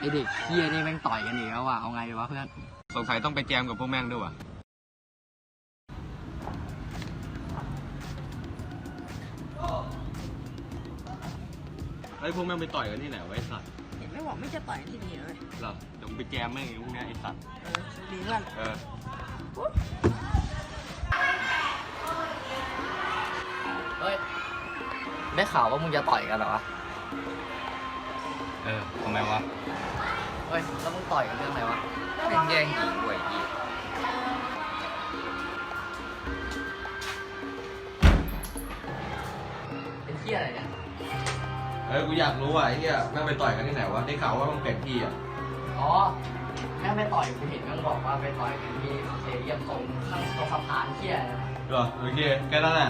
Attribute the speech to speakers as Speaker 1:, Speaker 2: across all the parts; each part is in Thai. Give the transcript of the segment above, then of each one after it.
Speaker 1: อเด็กเฮียนี่แม่งต่อยกันอีกแล้วว่ะเอาไงดีวะเพื่อน
Speaker 2: สงสัยต้องไปแจมกับพวกแม่งด้วยว่ะไอ้พวกแม่งไปต่อยกันที่ไหนวะไอ้สัตว์
Speaker 3: เห็นไม่บอกไม่จะต่อยที่นี่เลย
Speaker 2: เหรอเดี๋ยวมึงไปแจมแม่งไอ้พวกเนี้ยไอ้สัตว์
Speaker 3: ดีเพื่อน
Speaker 1: เฮ้ยได้ข่าวว่ามึงจะต่อยกันเหรอวะ
Speaker 2: ทำไมวะ
Speaker 1: เฮ้ยแล้วมึงต่อยกันเรื่องอะไรวะ
Speaker 2: แม่งแย่งหญิงเว้ยอี
Speaker 1: เป็นเฮียอะไรเนี่ย
Speaker 2: กูอยากรู้ว่ะไอ้เหี้ยแม่งไปต่อยกันที่ไหนวะได้ข่าวว่ามันเป็นที่อ่ะ
Speaker 1: อ๋อแม่งไปต่อยกูเห็นมันบอกว่าไปต่อยกันที่สเตเดียมตรงข้างตรงสะพานเฮียนะ
Speaker 2: เหรอโอเคแค่นั้นแหละ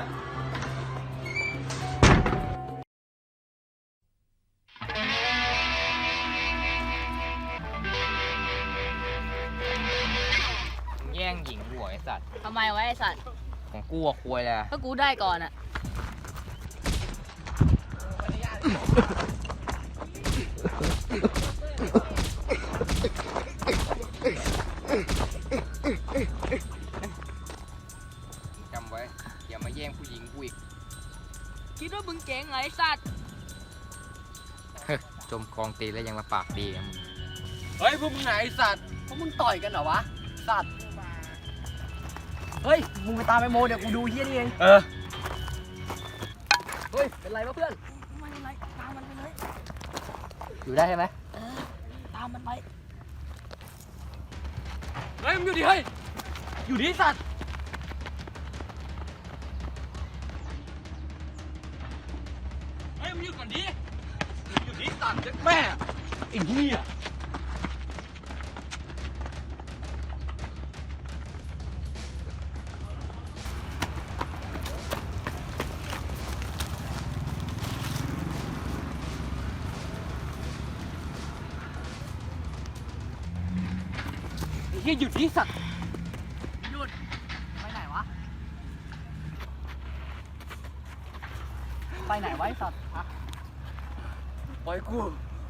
Speaker 1: แย่งหญิงหัวไอ้สัตว์
Speaker 3: ทำไมวะไอสัตว์
Speaker 1: ของกูอะควยเลย
Speaker 3: ถ้ากูได้ก่อนอะ
Speaker 1: จำไว้อย่ามาแย่งผู้หญิงกูอีก
Speaker 3: คิดว่ามึงเจ๋งไงไอสัตว์
Speaker 1: จมกองตีแล้วยังมาปากดีกัน
Speaker 2: เฮ้ยพวกมึงไหนไอ้สัตว์
Speaker 1: พวกมึงต่อยกันเหรอวะสัตว์เฮ้ยมึงไปตามไอโมเดี๋ยวกูดูเฮียนี่เองเฮ้ยเป็นไรวะเพื่อน
Speaker 3: ไม่เป็นไรตามมันไปเลย
Speaker 1: อยู่ได้ใช่ไหม
Speaker 3: ตามมันไป
Speaker 2: เฮ้ยมึงอยู่ดิเฮ้ยอยู่ดิสัตว์เฮ้ยมึงหยุดก่อนดิอยู่ดิสัตว์เจ็บแม่ไอ้เหี้ยหยุดที่สัตว์
Speaker 1: หยุดไปไหนวะไปไหนไว้สัตว์อะปล่อยกู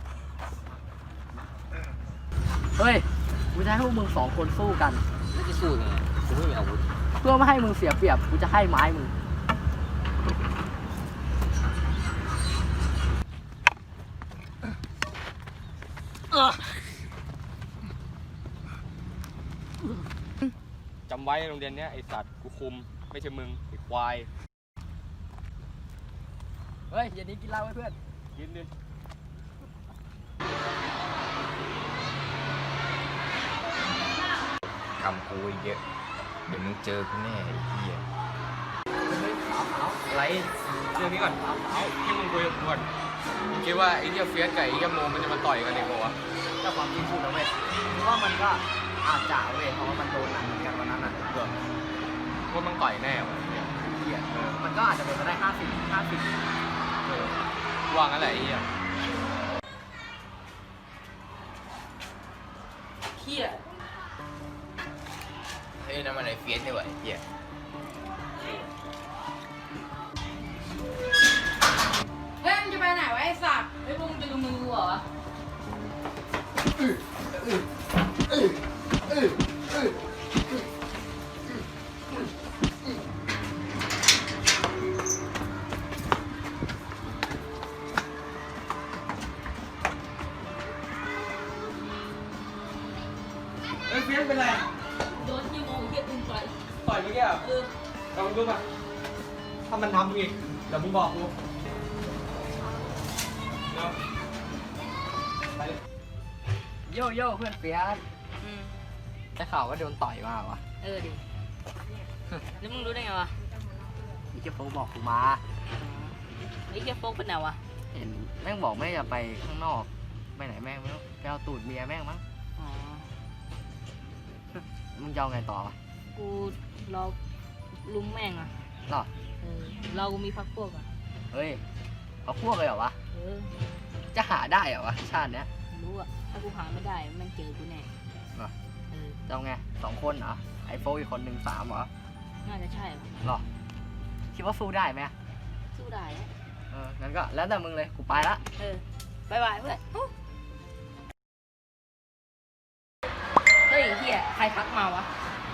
Speaker 1: เฮ้ยกูจะให้พวกมึง2 คนสู้กัน
Speaker 2: แล้วจะสู้ยังไงกูไม่มีอาวุธ
Speaker 1: เพื่อไม่ให้มึงเสียเปรียบกูจะให้ไม้มึง
Speaker 2: จำไว้โรงเรียนเนี้ยไอสัตว์กูคุมไม่ใช่มึงไอควาย
Speaker 1: เฮ้ยเย็นนี้กินเหล้าไว้เพื่อน
Speaker 2: กินดิ
Speaker 4: คำกูเยอะเดี๋ยวมึงเจอกูแน่ไอ้เหี้ย
Speaker 2: อะไรเรื่องนี้ก่อนที่มึงคุยกับกูก่อนมึงคิดว่าไอ้เหี้ยเฟียสกับไอ้เหี้ยโมมันจะมาต่อยกันเองเหรอวะ
Speaker 1: ถ้าความจริงพูดนะเว้ยคือว่ามันก็อาจจะเว้ยเพราะว่ามันโดนหนักเหมือนกันวันนั้นน่ะ
Speaker 2: ว่ามึงต่อยแน่วะ
Speaker 1: เหี้ยมันก็อาจจะเป็นไปได้50
Speaker 2: วางอะไรไอ้เหี้ย
Speaker 3: เฮีย
Speaker 4: เฮ้ยนั่นมันไอ้เฟียสนี่หว่าไอ้เหี้ย
Speaker 3: เฮ้ยมึงจะไปไหนวะไอสัตว์เฮ้ยพวกมึงจะดูมือกูเหรอ
Speaker 2: เฟียสเป็นไร
Speaker 3: โดนยี่โมงเฮียตึงต่อย
Speaker 2: เมื่อกี้อ่ะลองดูป่ะถ้ามันทำมึงอีกเดี๋ยวมึงบอกกู
Speaker 1: โย่โย่เพื่อนเปียกได้ข่าวว่าโดนต่อยมาวะ
Speaker 3: ดิแล้วมึงรู้ได้ไงวะ
Speaker 1: อีเจโฟบอกกูมา
Speaker 3: ไอ้เฮียโฟกเป็นไงวะ
Speaker 1: เห็นแม่งบอกไม่จะไปข้างนอกไปไหนแม่งไม่รู้ไปเอาตูดเมียแม่งมั้งมึงจะเอาไงต่อวะ
Speaker 3: กูรอลุมแม่งอ่ะ
Speaker 1: หรอ
Speaker 3: เรามีพักพวกอ่ะ
Speaker 1: เฮ้ยเอาพวกเลยเหรอวะจะหาได้เหรอวะชาติเนี้ย
Speaker 3: รู้อ่ะถ้ากูหาไม่ได้แม่งเจอกูแน่
Speaker 1: จะเอาไง2 คนเหรอไอโฟอีกคน1 3เหรอ
Speaker 3: น่าจะใช่
Speaker 1: หรอคิดว่าสู้ได้ไหม
Speaker 3: สู้ได้
Speaker 1: งั้นก็แล้วแต่มึงเลยกูไปละ
Speaker 3: บ๊ายบายเพื่อนรทักมาวะ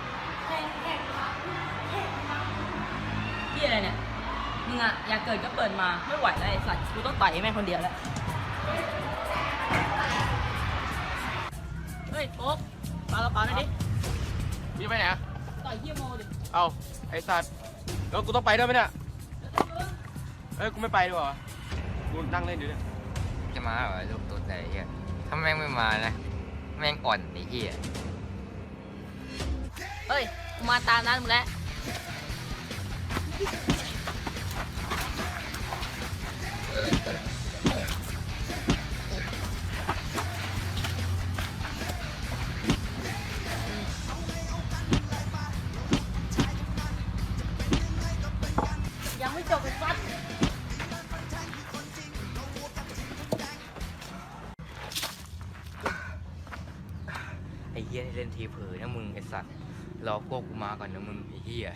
Speaker 3: พี่อะไรเนี่ยมึงอะอยากเกิดก็เปิดมาไม่ไหวแล้วไอ้สัตว์กูต้องต่อยแม่งคนเดียวแล้วเฮ้ยโป๊กปาละปาหน่อยดิ
Speaker 2: พี่ไปไหนอะ
Speaker 3: ต่อยเฮียโมดิ
Speaker 2: เอาไอ้สัตว์แล้วกูต้องไปด้วยไหมเนี่ยเอ้ยกูไม่ไปดีกว่ากูนั่งเล่นอยู่เนี่ย
Speaker 4: จะมาเหรอลูกตัวใจเฮียถ้าแม่งไม่มานะแม่งอ่อนไอ้เฮีย
Speaker 3: เฮ้ยกูมาตามนั้นมึงแล้วยังไม่จบเลยสัตว์
Speaker 4: ไอ้เฮียนี่เล่นทีเผลอนะมึงไอ้สัตว์รอพวกกูมาก่อนนะมึงไอ้เฮีย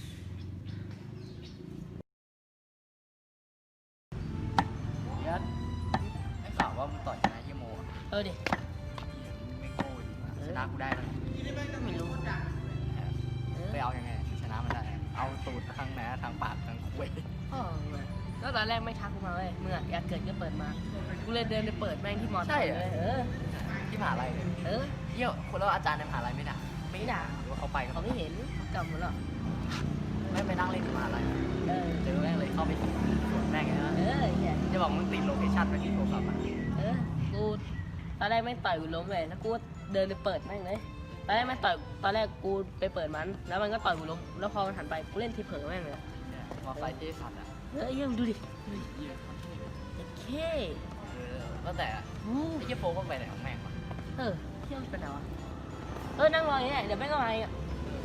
Speaker 1: เดี๋ยวไอ้ข่าวว่ามึงต่อยชนะเฮียโมอะ
Speaker 3: ดิ
Speaker 1: ไม่โง่ดีกว่าชนะกูได้แล้ว
Speaker 3: ไม่รู้
Speaker 1: ไปเอายังไงชนะมันได้ เอาตูดทางไหนทางปากทางคุย
Speaker 3: แล้วตอนแรกไม่ทักกูมาเว้ยมึงอะอยากเกิดก็เปิดมา กูเลยเดินไปเปิดแม่งที่มอเลย
Speaker 1: ที่มหาลัยเลย เยี่ยวคนแล้วอาจารย์ในมหาลัยไม่ด่า
Speaker 3: ไม่ด่า
Speaker 1: หรือว่าเขาไป
Speaker 3: เขาไม่เห็นเขากลับหมดแล้ว
Speaker 1: ไม่ไปนั่งเล่นที่มหาลัย เจอแม่งเลยเข้าไปสวนแม่งไงนะ
Speaker 3: เหี้ย
Speaker 1: จะบอกมึงติดโลเคชั่นไปที่โทรศัพท์อ่ะ
Speaker 3: กูตอนแรกแม่งต่อยกูล้มเลยแล้วกูเดินไปเปิดแม่งเลยตอนแรกแม่งต่อยตอนแรกกูไปเปิดมันแล้วมันก็ต่อยกูล้มแล้วพอมันหันไปกูเล่นทีเผลอแม่งเลย
Speaker 1: มอไซค์เจสันอ่ะ
Speaker 3: เยี่ยมดูดิเค
Speaker 1: ตั้งแต่ไอ้เยี่ยโฟก็ไปไหนของแม่งวะ
Speaker 3: เที่ยวเป็นไงวะนั่งรออย่างเงี้ยเดี๋ยวแม่งก็มาอ่ะ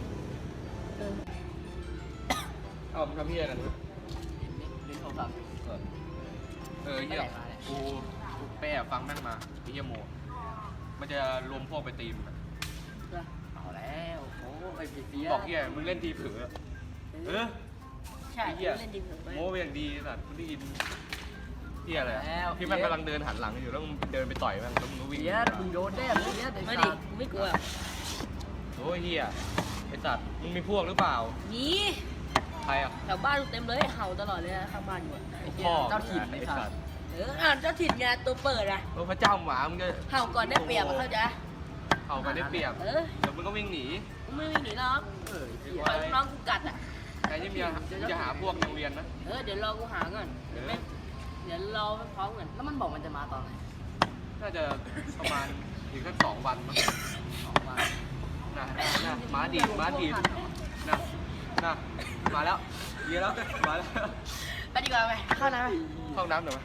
Speaker 2: เอาทำพี่อะไรกัน
Speaker 1: ลิ้นโทรศัพท์
Speaker 2: เหี้ยกูไปแอบฟังแม่งมาไอ้เหี้ยโมมันจะรวมพวกไปตีมอะ
Speaker 1: เอาแล้วโอ้ไอ้เปีย
Speaker 2: บอกเหี้ยมึงเล่นทีเผลอ
Speaker 3: ใช่
Speaker 2: ไอ้เหี้ย
Speaker 3: เล่นทีเผลอ
Speaker 2: โมเป็นอย่างดีสัตว์มึงได้ยินเหี้ยอะไรอะที่แม่งกำลังเดินหันหลังอยู่แล้วมึงเดินไปต่อยแม่งแล้วมึงก็วิ่ง
Speaker 1: เปียมึงโดนแน่เปีย
Speaker 3: ไม่ดิไม่กลัว
Speaker 2: โอ้ยเหี้ยไอ้สัตว์มึงมีพวกหรือเปล่า
Speaker 3: นี่
Speaker 2: ใครอ่ะ
Speaker 3: แถวบ้านกูเต็มเลยเห่าตลอดเลยนะข้างบ้านอยู่อะ
Speaker 2: พ่อ
Speaker 1: เจ้าถิ่น
Speaker 2: ไอ้
Speaker 1: ไอ้
Speaker 2: สั
Speaker 1: สั
Speaker 2: ต
Speaker 1: ต
Speaker 2: ว์
Speaker 1: ว์
Speaker 3: เจ้าถิ่นไงตัวเปิดอะ
Speaker 2: พระเจ้าหมามึงจะ
Speaker 3: เห่าก่อนได้เปรียบอะเข้าใจ
Speaker 2: เห่ากันได้เปรียบเดี๋ยวมึงก็วิ่งหนี
Speaker 3: กูไม่วิ่งหนีหรอก
Speaker 1: เออ
Speaker 3: ปล่อยลูกน้องกูกัดอะ
Speaker 2: ใครที่มีจะหาพวกโรงเรียนนะ
Speaker 3: เดี๋ยวรอกูหาก่อนเดี๋ยวรอไปพร้อมกัน
Speaker 1: แล้วมันบอกมันจะมาตอนไหน
Speaker 2: น่าจะประมาณอีกสัก2 วันมั้ง
Speaker 1: 2 วัน
Speaker 2: นะม้าดีดนะมาแล้วเยอะแล้วมาแล้ว
Speaker 3: ไปดีกว่าไปเข้านะ
Speaker 2: เข้าน้ำหน่อยไหม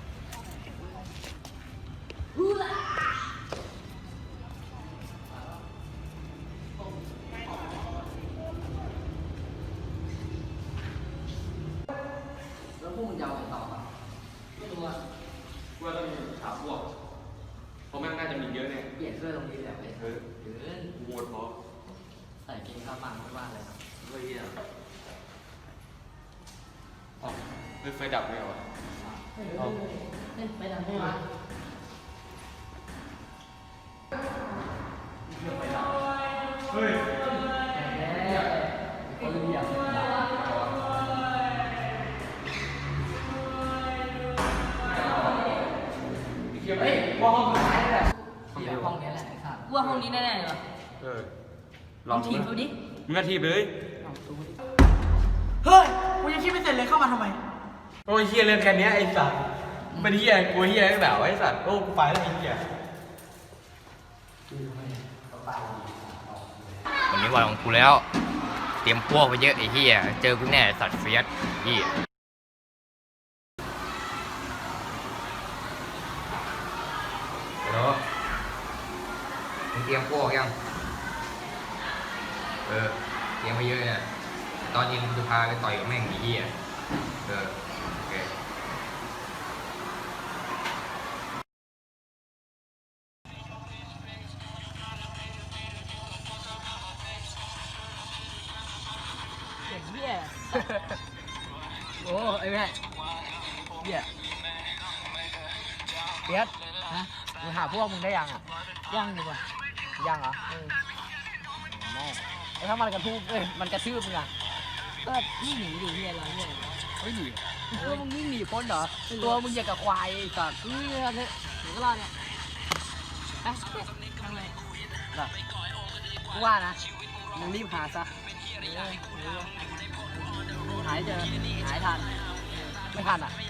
Speaker 1: แล้วพวกมึงจะเอาไงต่อครับ
Speaker 3: ไม่รู้อะ
Speaker 2: ว่าต้องหาพวกเพราะแม่งน่าจะมีเยอะเนี่ย
Speaker 1: เปลี่ยนเสื้อตรงนี้แหละไปเดิน
Speaker 2: โหวตเพราะ
Speaker 1: ใส่เกงขาปังไม่ว่าอะไรครับ
Speaker 2: เฮ้ยอ๋อไฟดับไหมวะ
Speaker 3: ไปทำให้มา
Speaker 2: เฮ้ย
Speaker 1: เขาเรียก
Speaker 2: เฮ้ยว่าห้องสุดท้ายแหละ
Speaker 1: ห้องนี้แหละไอ้สัตว์
Speaker 3: ว่าห้องนี้แน่ๆเหรอ
Speaker 2: ลอง
Speaker 3: ทีมเขาดิ
Speaker 2: มึงก็ทีบเลย
Speaker 5: เฮ้ย กูยังคิดไม่เสร็จเลยเข้ามาทำไม
Speaker 2: โอ้ยเฮียเรื่องแค่นี้ไอ้สัตว์เป็นเฮียกูเฮียตั้งแต่ไอ้สัตว์โอ้กูไปแล้วไอ้เฮีย
Speaker 4: วันนี้วันของกูแล้ว เตรียมพวกไปเยอะไอ้เฮียเจอกูแน่สัตว์เฟียสเฮียเดี๋ยวมึงเตรียมพวกยังเตรียมไปเยอะเนี่ยตอนเย็นกูจะพาไปต่อยกับแม่งไอ้เฮียโอเค
Speaker 3: เด็กเหี้ย
Speaker 1: โอ้ไอ้แม่เหี้ยเปียสมึงหาพวกมึงได้ยังอ่ะ
Speaker 3: ย่างดีกว่า
Speaker 1: ยังเหรอแม่แล้วถ้ามันกระทืบมันกระทืบมึงอ่ะ
Speaker 3: ก็นี่หนีดิเฮียอะไรเนี่ย
Speaker 2: เฮ้ยหนี
Speaker 1: ตัวมึงวิ่งหนีพ้นเหรอตัวมึงอย่างกับควายไอ้สัตว์
Speaker 3: นี่เนี่ยหนูก็รอดเนี่ยไปทำไง
Speaker 1: กูว่านะมึงรีบหาซะหายเจอหายทันไม่ทันอ่ะ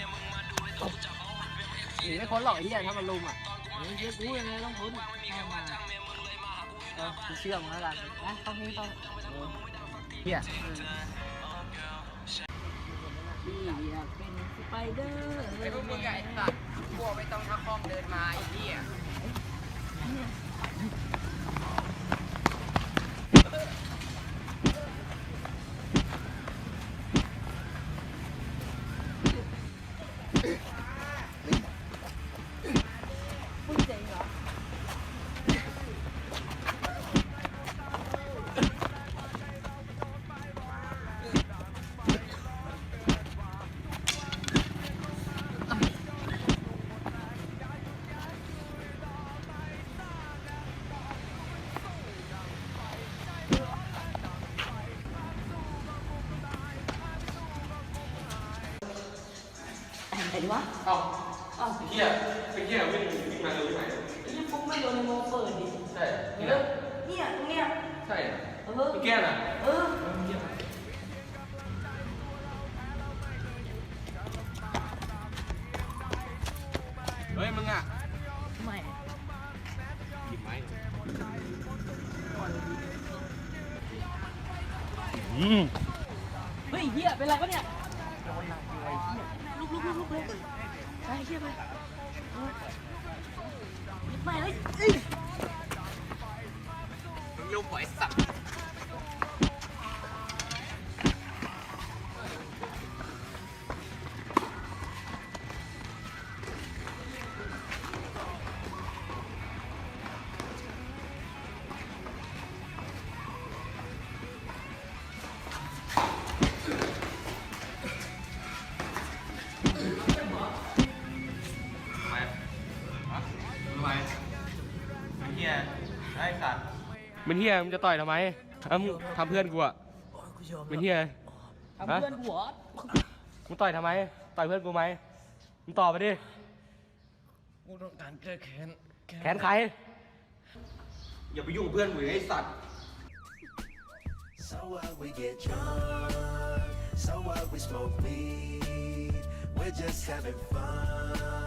Speaker 1: หนีไม่พ้นหรอกไอ้เหี้ยถ้ามันลุมอ่ะ
Speaker 3: เชื่อกูยังไงต้องพ้นเข้ามา
Speaker 1: กูเชื่อมึงแล้วกัน
Speaker 3: ไปต้องให้ต้อง
Speaker 1: เหี้ย
Speaker 3: พี่อยากเป็นสไปเดอร์
Speaker 4: ไอ้พวกมึงไอ้สัตว์พวกไม่ต้องทักห้องเดินมาไอ้เหี้ย
Speaker 3: พูดเจ๋งเหรอ ไหนดีวะ
Speaker 2: เอ้าไอ้เหี้ยวิ่งมาเร็วที่ไหน
Speaker 3: ไอ้ยี่ปุ๊กไม่โดนในโมเปิดดิ
Speaker 2: ใช่นี่นะ
Speaker 3: เนี่ยตรงเนี้ย
Speaker 2: ใช่
Speaker 3: เออ
Speaker 2: พี่แก้น่ะ
Speaker 3: เออ
Speaker 2: เฮ้ยมึงอ่ะ
Speaker 3: ไม่
Speaker 2: หยิบไม้
Speaker 3: เฮ้ยเฮียเป็นไรวะเนี่ยลุกเลยไปเฮียไปไม่เลย
Speaker 4: มึงลูกหอยสัตว์
Speaker 2: ทำไมฮะทำไมเป็นเหี้ยไอ้สัตว์เป็นเหี้ยมึงจะต่อยทำไมมึงทำเพื่อนกูอ่ะเป็นเหี้ย
Speaker 3: ทำเพื่อนกูเหรอ
Speaker 2: มึงต่อยทำไมต่อยเพื่อนกูไหมมึงตอบไปดิ
Speaker 4: กูต้องการแก้แค้น
Speaker 2: แขนใครอย่าไปยุ่งกับเพื่อนกูไอ้สัตว์
Speaker 6: So what, we get drunk. So what, we smoke weed. We're just having fun.